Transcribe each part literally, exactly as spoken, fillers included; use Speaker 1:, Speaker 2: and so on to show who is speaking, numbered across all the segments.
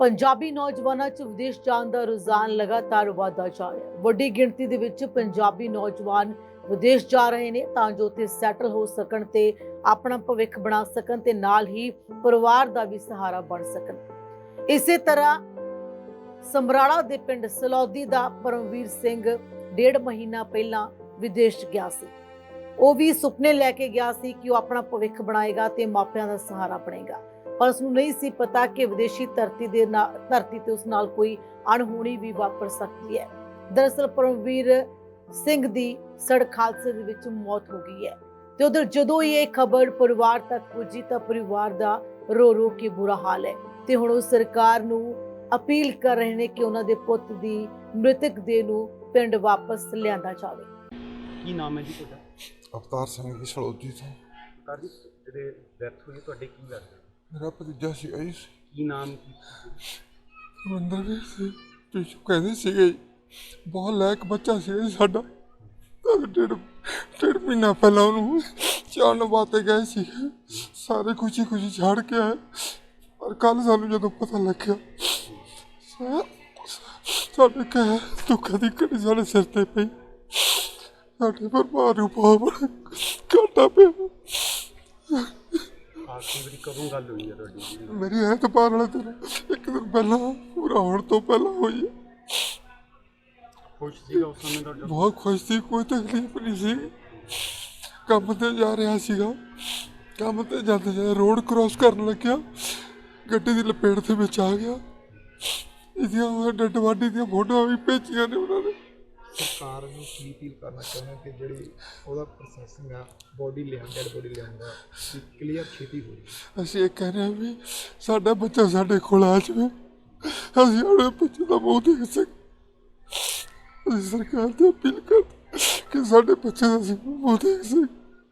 Speaker 1: पंजाबी नौजवानों च विदेश जाण दा रुझान लगातार वाधा जा रहा है। वड्डी गिणती दे विच पंजाबी नौजवान विदेश जा रहे ने तां जो उत्थे सैटल हो सकण ते अपना भविख बना सकण ते नाल ही परिवार दा भी सहारा बन सकण। इसे तरह समराला दे पिंड सलौदी दा परमवीर सिंह डेढ़ महीना पहला विदेश गया सी। ਉਹ भी सुपने लैके गया सी कि वह अपना भविख बनाएगा ते मापियां दा सहारा बनेगा, पर उसनूं नहीं सी पता कि विदेशी धरती दे धरती ते उस नाल कोई अणहोनी भी वापर सकती है। दरअसल परमवीर सिंह दी सड़क हादसे दे विच मौत हो गई है ते उधर जदों ये खबर परिवार तक पुजी तां परिवार दा रो रो के बुरा हाल है ते हुण उह सरकार नूं अपील कर रहे ने कि उन्हां दे पुੱਤ दी मृतक देह नूं पिंड वापस लिआंदा जावे।
Speaker 2: की नाम है जी तुहाडा?
Speaker 3: अवतार सिंह जी सलौदी तो।
Speaker 2: अवतार जी ਜਿਹੜੇ ਡੈਥ ਹੋਈ ਤੁਹਾਡੇ ਕੀ ਲੱਗਦਾ?
Speaker 3: मेरा भतीजा सी आई
Speaker 2: ਕੀ ਨਾਮ ਕੀ?
Speaker 3: ਰਵਿੰਦਰ ਵੀ ਸੀ ਪਿੱਛੋਂ ਕਹਿੰਦੇ ਸੀਗੇ ਜੀ, ਬਹੁਤ ਲਾਇਕ ਬੱਚਾ ਸੀ ਜੀ ਸਾਡਾ। ਤਾਂ ਡੇਢ ਡੇਢ ਮਹੀਨਾ ਪਹਿਲਾਂ ਉਹਨੂੰ ਚਾਣ ਵਾਸਤੇ ਗਏ ਸੀ, ਸਾਰੇ ਖੁਸ਼ੀ ਖੁਸ਼ੀ ਛੱਡ ਕੇ ਆਏ। ਪਰ ਕੱਲ ਸਾਨੂੰ ਜਦੋਂ ਪਤਾ ਲੱਗਿਆ ਸਾ- ਸਾਡੇ ਕਹਿ ਦੁੱਖਾਂ ਦੀ ਘੜੀ ਸਾਡੇ ਸਿਰ ਤੇ ਪਈ, ਸਾਡੇ ਪਰਿਵਾਰ ਨੂੰ ਬਹੁਤ ਘਾਟਾ ਪਿਆ।
Speaker 2: ਆਖਰੀ ਵਾਰੀ ਕਦੋਂ ਗੱਲ ਹੋਈ ਹੈ ਤੁਹਾਡੀ?
Speaker 3: ਮੇਰੀ ਐਤਵਾਰ ਵਾਲੇ ਦਿਨ ਇੱਕ ਦਿਨ ਪਹਿਲਾਂ ਪੂਰਾ ਹੋਣ ਤੋਂ ਪਹਿਲਾਂ ਹੋਈ ਹੈ।
Speaker 2: ਖੁਸ਼ ਸੀਗਾ ਉਸ ਸਮੇਂ ਤੁਹਾਡਾ?
Speaker 3: ਬਹੁਤ ਖੁਸ਼ ਸੀ, ਕੋਈ ਤਕਲੀਫ ਨਹੀਂ ਸੀ। ਕੰਮ ਤੇ ਜਾ ਰਿਹਾ ਸੀਗਾ, ਕੰਮ ਤੇ ਜਾਂਦੇ ਜਾਂਦੇ ਰੋਡ ਕ੍ਰੋਸ ਕਰਨ ਲੱਗਿਆ, ਗੱਡੀ ਦੀ ਲਪੇਟ ਦੇ ਵਿੱਚ ਆ ਗਿਆ। ਇਹਦੀਆਂ ਡੱਡ ਵਾਢੀ ਦੀਆਂ ਫੋਟੋਆਂ ਵੀ ਭੇਜੀਆਂ ਨੇ ਉਹਨਾਂ ਨੇ।
Speaker 2: ਸਰਕਾਰ ਨੂੰ ਕੀ ਅਪੀਲ ਕਰਨਾ ਚਾਹੁੰਦੇ ਕਿ ਜਿਹੜੀ ਉਹਦਾ ਪ੍ਰੋਸੈਸਿੰਗ ਆ ਬੋਡੀ ਲਿਆਉਣ ਡੈਡ ਬੋਡੀ ਲਿਆਉਣ ਦਾ ਕਲੀਅਰ ਛੇਤੀ ਹੋ ਜਾਵੇ।
Speaker 3: ਅਸੀਂ ਇਹ ਕਹਿ ਰਹੇ ਹਾਂ ਵੀ ਸਾਡਾ ਬੱਚਾ ਸਾਡੇ ਕੋਲ ਆ ਜਾਵੇ, ਅਸੀਂ ਆਪਣੇ ਬੱਚੇ ਦਾ ਮੂੰਹ ਦੇਖ ਸਕੀਏ। ਅਸੀਂ ਸਰਕਾਰ ਤੋਂ ਅਪੀਲ ਕਰਦੇ ਕਿ ਸਾਡੇ ਬੱਚੇ ਦਾ ਅਸੀਂ ਮੂੰਹ ਦੇਖ ਸਕੀਏ।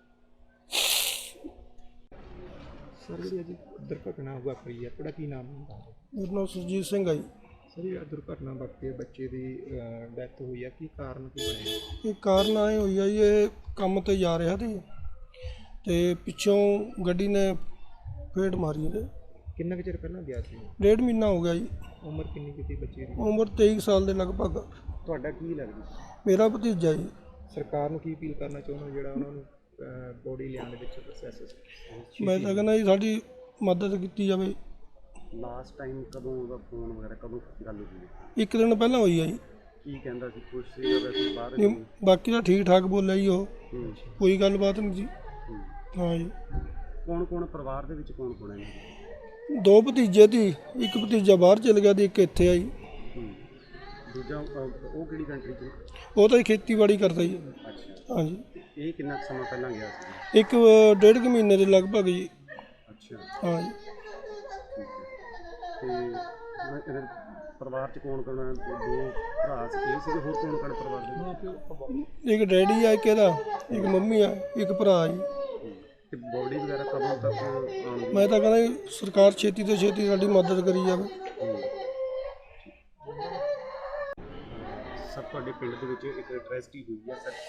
Speaker 2: ਸਰ ਜਿਹੜੀ ਅੱਜ ਦੁਰਘਟਨਾ ਵਾਪਰੀ ਹੈ ਤੁਹਾਡਾ ਕੀ ਨਾਮ ਹੈ?
Speaker 4: ਮੇਰਾ ਨਾਮ ਸੁਰਜੀਤ ਸਿੰਘ ਹੈ ਜੀ।
Speaker 2: ਸਰ ਇਹ ਦੁਰਘਟਨਾ ਵਾਪਰੀ ਹੈ, ਬੱਚੇ ਦੀ ਡੈਥ ਹੋਈ ਹੈ, ਕੀ ਕਾਰਨ ਕੀ ਬਣਿਆ?
Speaker 4: ਇਹ ਕਾਰਨ ਆਏ ਹੋਈ ਆ ਜੀ, ਇਹ ਕੰਮ ਤੇ ਜਾ ਰਿਹਾ ਸੀ ਤੇ ਪਿੱਛੋਂ ਗੱਡੀ ਨੇ ਫੇਟ ਮਾਰੀ ਇਹਦੇ।
Speaker 2: ਕਿੰਨਾ ਕੁ ਚਿਰ ਪਹਿਲਾਂ ਗਿਆ ਸੀ?
Speaker 4: ਡੇਢ ਮਹੀਨਾ ਹੋ ਗਿਆ ਜੀ।
Speaker 2: ਉਮਰ ਕਿੰਨੀ ਕੀਤੀ ਬੱਚੇ ਦੀ?
Speaker 4: ਉਮਰ ਤੇਈ ਸਾਲ ਦੇ ਲਗਭਗ।
Speaker 2: ਤੁਹਾਡਾ ਕੀ ਲੱਗਦਾ?
Speaker 4: ਮੇਰਾ ਭਤੀਜਾ ਜੀ।
Speaker 2: ਸਰਕਾਰ ਨੂੰ ਕੀ ਅਪੀਲ ਕਰਨਾ ਚਾਹੁੰਦੇ ਹੋ ਜਿਹੜਾ ਉਹਨਾਂ ਨੂੰ ਬੋਡੀ ਲਿਆਉਣ ਦੇ ਵਿੱਚ ਪ੍ਰੋਸੈਸ?
Speaker 4: ਮੈਂ ਤਾਂ ਕਹਿੰਦਾ ਜੀ ਸਾਡੀ ਮਦਦ ਕੀਤੀ ਜਾਵੇ।
Speaker 2: ਲਾਸਟ ਟਾਈਮ ਕਦੋਂ ਉਹਦਾ ਫੋਨ ਵਗੈਰਾ ਕਦੋਂ ਗੱਲ ਹੋਈ?
Speaker 4: ਇੱਕ ਦਿਨ ਪਹਿਲਾਂ ਹੋਈ ਆ ਜੀ।
Speaker 2: ਕੀ ਕਹਿੰਦਾ ਸੀ? ਖੁਸ਼ ਸੀ ਵੈਸੇ ਬਾਹਰ?
Speaker 4: ਨਹੀਂ, ਬਾਕੀ ਤਾਂ ਠੀਕ ਠਾਕ ਬੋਲਿਆ ਜੀ, ਉਹ ਕੋਈ ਗੱਲਬਾਤ ਨਹੀਂ ਜੀ। ਹਾਂ ਜੀ।
Speaker 2: ਕੌਣ ਕੌਣ ਪਰਿਵਾਰ ਦੇ ਵਿੱਚ ਕੌਣ ਕੌਣ ਹੈ?
Speaker 4: ਦੋ ਭਤੀਜੇ ਸੀ, ਇੱਕ ਭਤੀਜਾ ਬਾਹਰ ਚਲ ਗਿਆ ਤੇ ਇੱਕ ਇੱਥੇ ਆ ਜੀ।
Speaker 2: ਦੂਜਾ ਉਹ ਕਿਹੜੀ ਕੰਟਰੀ 'ਚ?
Speaker 4: ਉਹ ਤਾਂ ਖੇਤੀਬਾੜੀ ਕਰਦਾ ਜੀ।
Speaker 2: ਅੱਛਾ।
Speaker 4: ਹਾਂ ਜੀ।
Speaker 2: ਇਹ ਕਿੰਨਾ ਕੁ ਸਮਾਂ ਪਹਿਲਾਂ ਗਿਆ ਸੀ?
Speaker 4: ਇੱਕ ਡੇਢ ਕੁ ਮਹੀਨੇ ਦੇ ਲਗਭਗ ਜੀ।
Speaker 2: ਅੱਛਾ।
Speaker 4: ਹਾਂ ਜੀ।
Speaker 2: ਤੇ ਇਹਦੇ ਪਰਿਵਾਰ 'ਚ ਕੌਣ ਕੌਣ ਹੈ? ਦੋ ਭਰਾ ਸੀ, ਇਹ ਸੀਗੇ, ਹੋਰ ਕੌਣ ਕੌਣ ਪਰਿਵਾਰ ਦੇ?
Speaker 4: ਇੱਕ ਡੈਡੀ ਆ, ਇੱਕ ਇਹਦਾ, ਇੱਕ ਮੰਮੀ ਆ, ਇੱਕ ਭਰਾ ਜੀ।
Speaker 2: ਤੇ ਬੋਡੀ ਵਗੈਰਾ ਕਦੋਂ ਤੱਕ ਆਉਣ?
Speaker 4: ਮੈਂ ਤਾਂ ਕਹਿੰਦਾ ਜੀ ਸਰਕਾਰ ਛੇਤੀ ਤੋਂ ਛੇਤੀ ਸਾਡੀ ਮਦਦ ਕਰੀ ਜਾਵੇ।
Speaker 2: ਸਰ ਤੁਹਾਡੇ ਪਿੰਡ ਦੇ ਵਿੱਚ ਇੱਕ ਟ੍ਰੈਜਡੀ ਹੋਈ ਹੈ ਸਰ?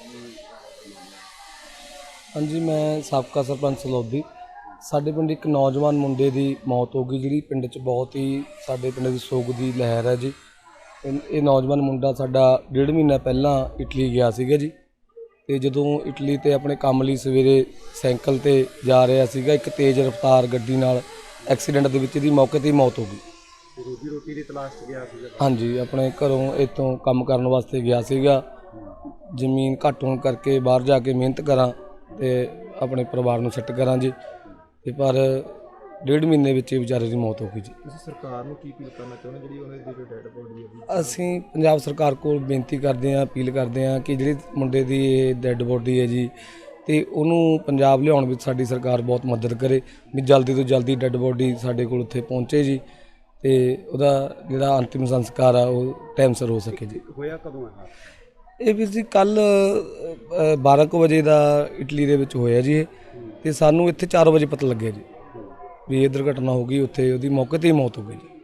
Speaker 5: ਹਾਂਜੀ, ਮੈਂ ਸਾਬਕਾ ਸਰਪੰਚ ਸਲੌਦੀ। ਸਾਡੇ ਪਿੰਡ ਇੱਕ ਨੌਜਵਾਨ ਮੁੰਡੇ ਦੀ ਮੌਤ ਹੋ ਗਈ, ਜਿਹੜੀ ਪਿੰਡ 'ਚ ਬਹੁਤ ਹੀ ਸਾਡੇ ਪਿੰਡ ਦੀ ਸੋਗ ਦੀ ਲਹਿਰ ਹੈ ਜੀ। ਇਹ ਇਹ ਨੌਜਵਾਨ ਮੁੰਡਾ ਸਾਡਾ ਡੇਢ ਮਹੀਨਾ ਪਹਿਲਾਂ ਇਟਲੀ ਗਿਆ ਸੀਗਾ ਜੀ, ਅਤੇ ਜਦੋਂ ਇਟਲੀ 'ਤੇ ਆਪਣੇ ਕੰਮ ਲਈ ਸਵੇਰੇ ਸਾਈਕਲ 'ਤੇ ਜਾ ਰਿਹਾ ਸੀਗਾ, ਇੱਕ ਤੇਜ਼ ਰਫ਼ਤਾਰ ਗੱਡੀ ਨਾਲ ਐਕਸੀਡੈਂਟ ਦੇ ਵਿੱਚ ਇਹਦੀ ਮੌਕੇ 'ਤੇ ਹੀ ਮੌਤ ਹੋ ਗਈ।
Speaker 2: ਰੋਜੀ ਰੋਟੀ ਦੀ ਤਲਾਸ਼ 'ਚ ਗਿਆ ਸੀਗਾ?
Speaker 5: ਹਾਂਜੀ, ਆਪਣੇ ਘਰੋਂ ਇੱਥੋਂ ਕੰਮ ਕਰਨ ਵਾਸਤੇ ਗਿਆ ਸੀਗਾ। ਜ਼ਮੀਨ ਘੱਟ ਹੋਣ ਕਰਕੇ ਬਾਹਰ ਜਾ ਕੇ ਮਿਹਨਤ ਕਰਾਂ ਅਤੇ ਆਪਣੇ ਪਰਿਵਾਰ ਨੂੰ ਸੈੱਟ ਕਰਾਂ ਜੀ, ਅਤੇ ਪਰ ਡੇਢ ਮਹੀਨੇ ਵਿੱਚ ਇਹ ਵਿਚਾਰੇ ਦੀ ਮੌਤ ਹੋ ਗਈ ਜੀ।
Speaker 2: ਤੁਸੀਂ ਸਰਕਾਰ ਨੂੰ ਕੀ ਅਪੀਲ ਕਰਨਾ ਚਾਹੁੰਦੇ ਜਿਹੜੀ ਉਹਨਾਂ ਦੀ ਜੋ ਡੈਡ ਬੋਡੀ ਹੈ?
Speaker 5: ਅਸੀਂ ਪੰਜਾਬ ਸਰਕਾਰ ਕੋਲ ਬੇਨਤੀ ਕਰਦੇ ਹਾਂ, ਅਪੀਲ ਕਰਦੇ ਹਾਂ ਕਿ ਜਿਹੜੀ ਮੁੰਡੇ ਦੀ ਇਹ ਡੈਡ ਬੋਡੀ ਹੈ ਜੀ, ਅਤੇ ਉਹਨੂੰ ਪੰਜਾਬ ਲਿਆਉਣ ਵਿੱਚ ਸਾਡੀ ਸਰਕਾਰ ਬਹੁਤ ਮਦਦ ਕਰੇ ਵੀ ਜਲਦੀ ਤੋਂ ਜਲਦੀ ਡੈਡ ਬੋਡੀ ਸਾਡੇ ਕੋਲ ਉੱਥੇ ਪਹੁੰਚੇ ਜੀ, ਅਤੇ ਉਹਦਾ ਜਿਹੜਾ ਅੰਤਿਮ ਸੰਸਕਾਰ ਆ ਉਹ ਟਾਈਮ ਸਿਰ ਹੋ ਸਕੇ ਜੀ।
Speaker 2: ਹੋਇਆ ਕਦੋਂ ਹੈ
Speaker 5: ਇਹ ਵੀਰ ਜੀ? ਕੱਲ੍ਹ ਬਾਰਾਂ ਕੁ ਵਜੇ ਦਾ ਇਟਲੀ ਦੇ ਵਿੱਚ ਹੋਇਆ ਜੀ ਇਹ, ਅਤੇ ਸਾਨੂੰ ਇੱਥੇ ਚਾਰ ਵਜੇ ਪਤਾ ਲੱਗਿਆ ਜੀ ਵੀ ਇਹ ਦੁਰਘਟਨਾ ਹੋ ਗਈ। ਉੱਥੇ ਉਹਦੀ ਮੌਕੇ 'ਤੇ ਹੀ ਮੌਤ ਹੋ ਗਈ ਜੀ।